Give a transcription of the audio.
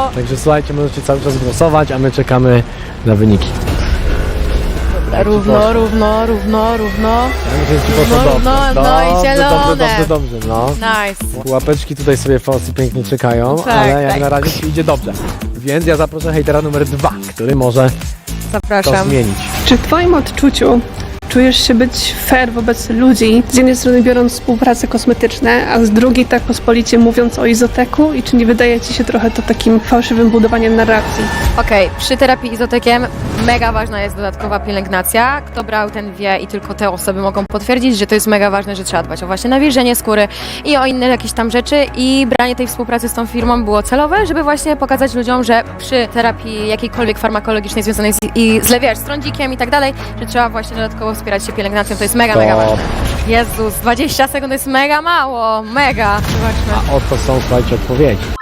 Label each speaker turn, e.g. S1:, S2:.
S1: Także słuchajcie, możecie cały czas głosować, a my czekamy na wyniki.
S2: Równo.
S1: Ja myślę, że ci poszło
S2: Równo,
S1: dobrze.
S2: no i zielone.
S1: Dobrze, no.
S2: Nice.
S1: Łapeczki tutaj sobie Fosy pięknie czekają,
S2: Tak,
S1: ale jak
S2: tak.
S1: na razie ci idzie dobrze. Więc ja zaproszę hejtera numer 2, który może to
S2: Zapraszam.
S1: zmienić.
S3: Czy w Twoim odczuciu czujesz się być fair wobec ludzi, z jednej strony biorąc współprace kosmetyczne, a z drugiej tak pospolicie mówiąc o izoteku i czy nie wydaje Ci się trochę to takim fałszywym budowaniem narracji?
S2: Okej, przy terapii izotekiem mega ważna jest dodatkowa pielęgnacja. Kto brał, ten wie i tylko te osoby mogą potwierdzić, że to jest mega ważne, że trzeba dbać o właśnie nawilżenie skóry i o inne jakieś tam rzeczy i branie tej współpracy z tą firmą było celowe, żeby właśnie pokazać ludziom, że przy terapii jakiejkolwiek farmakologicznej związanej z trądzikiem i tak dalej, że trzeba właśnie dodatkowo wspierać się pielęgnacją, to jest mega ważne. Jezus, 20 sekund to jest mega mało, mega. Zobaczmy.
S1: A oto są, słuchajcie, odpowiedzi.